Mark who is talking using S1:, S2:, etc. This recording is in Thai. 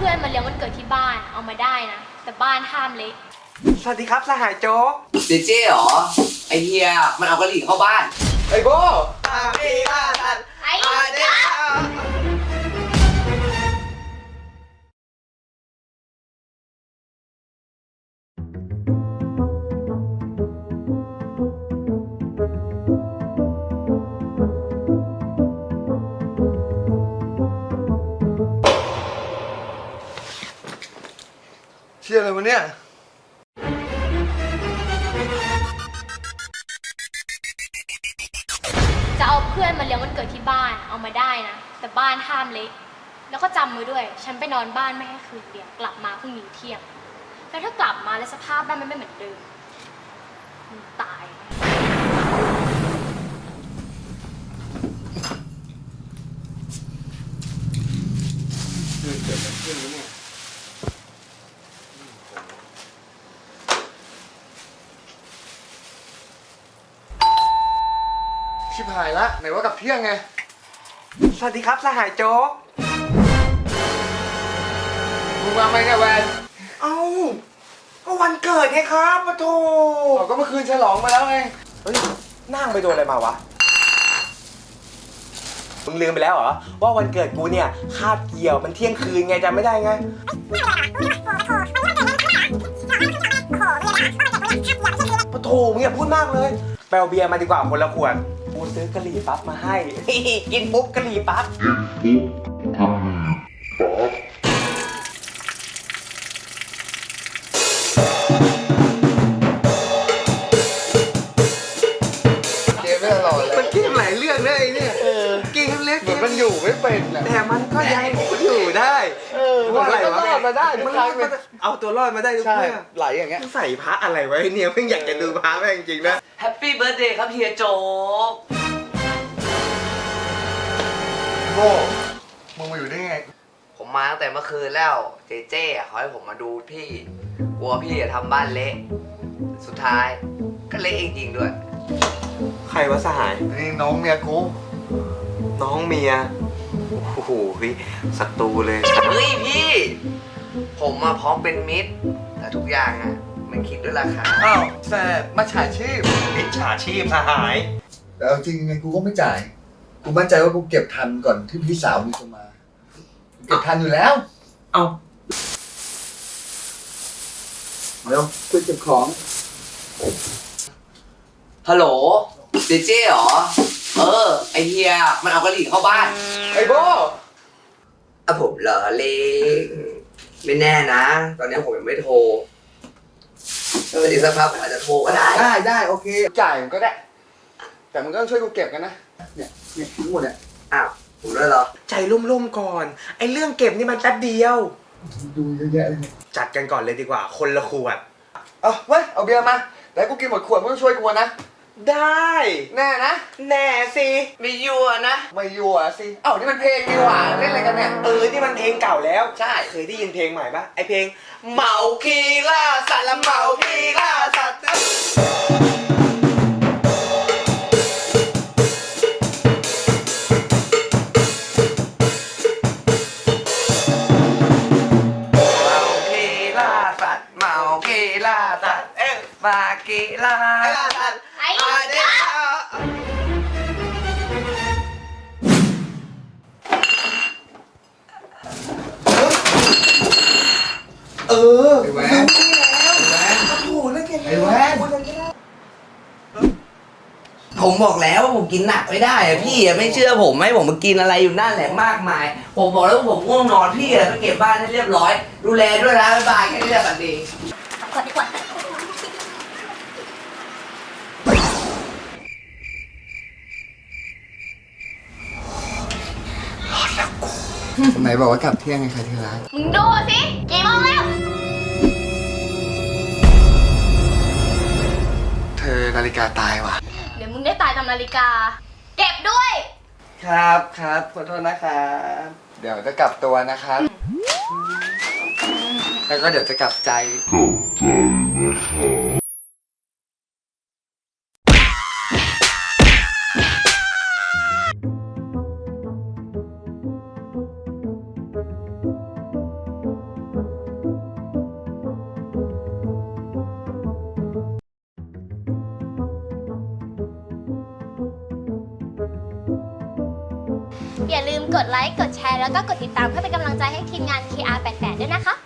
S1: พื่อนมาเลี้ยงวันเกิดที่บ้านเอามาได้นะแต่บ้านห้ามเละ
S2: สวัสดีครับสหายโจ๊ก
S3: เจเจ๊เหรอไอเฮียมันเอากะหรี่เข้าบ้าน
S2: ไอ้โบอาดีอาดัน
S1: ไอ้
S2: เด็เชื่ออะไรวะเนี่ย
S1: จะเอาเพื่อนมาเลี้ยงวันเกิดที่บ้านเอามาได้นะแต่บ้านห้ามเละแล้วก็จำมือด้วยฉันไปนอนบ้านไม่ให้คืนเดียวกลับมาพรุ่งนี้เที่ยงแล้วถ้ากลับมาแล้วสภาพบ้านมันไม่เหมือนเดิมมึงตาย
S2: เกิดอะไรขึ้นวะเนี่ยชิบหายละไหนว่ากับเที่ยงไงสวัสดีครับสหายโจ๊กมึงมาไหมเนี่ยแวนเอ้าก็วันเกิดไงครับปะโถก็เมื่อคืนฉลองมาแล้วไงเฮ้ยนั่งไปโดนอะไรมาวะมึงลืมไปแล้วเหรอว่าวันเกิดกูเนี่ยคาบเกี่ยวมันเที่ยงคืนไงจำไม่ได้ไงปะโถมึงอย่าพูดมากเลยไปเอาเบียร์มาดีกว่าคนละขวดกูซื้อกะหรี่ปั๊บมาให้ กินปุ๊บกะหรี่ปั๊บเกมไม่ตลอดเลยมันเกมหลายเรื่องเลยเนี่ยเกมเล็กเหมือนมันอยู่ไม่เป็นแต่มันก็ยังอยู่ได้ว่าอะไรวะรอดมาได้มันเอาตัวรอดมาได้ทุกเรื่องไหลอย่างเงี้ยใส่พระอะไรไว้เนี่ยเพิ่งอยากจะดูพระแม่งจริงๆนะ
S3: แฮปปี้เบิร์ธเดย์ครับเฮียโจ๊ก
S2: โง่มึงมาอยู่ได้ไง
S3: ผมมาตั้งแต่เมื่อคืนแล้วเจเจ๊เขาให้ผมมาดูพี่กลัวพี่จะทำบ้านเละสุดท้ายก็เละจริงๆด้วย
S2: ใครวะสหายนี่น้องเมียกูน้องเมียโอ้โหพี่ศัตรูเลย
S3: เฮ้ยพี่ผมมาพร้อมเป็นมิตรแต่ทุกอย่างอ่ะมันคิดด้วยราคา
S2: อ้าวแต่มาฉาชีพมิจฉาชีพสหาย
S4: แต่เอาจริงไงกูก็ไม่จ่ายกูมั่นใจว่ากูเก็บทันก่อนที่พี่สาวมึงจะมาเก็บทันอยู่แล้ว
S2: เอา
S4: เร็วคุยเก็บของ
S3: ฮัลโหลเจเจ๊เหรอไอเฮียมันเอากะหรี่เข้าบ้าน
S2: ไอ้โบ
S3: ผมเหรอเลงไม่แน่นะตอนนี้ผมยังไม่โทรถ้าอีกสักพักผมอาจจะโทรก็ได้
S4: ได้โอเค
S2: จ่ายมันก็ได้แต่มึงก็ต้องช่วยกูเก็บกันนะ
S4: เนี่ยทั้งหมดเนี่ย
S3: อ้าวผมด้วยเหรอ
S2: ใจร่มๆก่อนไอ้เรื่องเก็บนี่มันแป๊บเดียว
S4: ดูเยอะแยะเลย
S2: จัดกันก่อนเลยดีกว่าคนละขวด
S4: เอาเว้ยเอาเบียร์มาแล้วกูกินหมดขวดมึงต้องช่วยกูนะ
S2: ได้
S4: แน่นะ
S2: แน่สิ
S3: ไม่ยั่วนะ
S4: ไม่ยั่วสิเอ้านี่มันเพลงดีหว่าเล่นอะไรกันเนี่ย
S2: นี่มันเพลงเก่าแล้ว
S3: ใช่
S2: เคยได้ยินเพลงใหม่ปะไอเพลงเมาคีล่าสัตว์ละเมาคีล่าสัตว์
S3: มากีฬา
S1: ไอ้
S4: ไอ้แวน
S3: ผมบอกแล้วว่าผมกินหนักไม่ได้อะพี่ไม่เชื่อผมให้ผมมากินอะไรอยู่นั่นแหละมากมายผมบอกแล้วว่าผมง่วงนอนพี่ไปเก็บบ้านให้เรียบร้อยดูแลด้วยนะบ๊ายบายแค่นี้แหละบัดดี
S1: กดดีกว่า
S4: ไหนบอกว่ากลับเที่ยงไงใครที่ร้าน
S1: มึงดูสิกี่โมงแล้ว
S4: เธอนาฬิกาตายว่ะ
S1: เดี๋ยวมึงได้ตายตามนาฬิกาเก็บด้วย
S4: ครับขอโทษนะครับเดี๋ยวจะกลับตัวนะครับแล้วก็เดี๋ยวจะกลับใจนะครับ
S1: อย่าลืมกดไลค์ กดแชร์ แล้วก็กดติดตามเพื่อเป็นกำลังใจให้ทีมงาน KR88 ด้วยนะคะ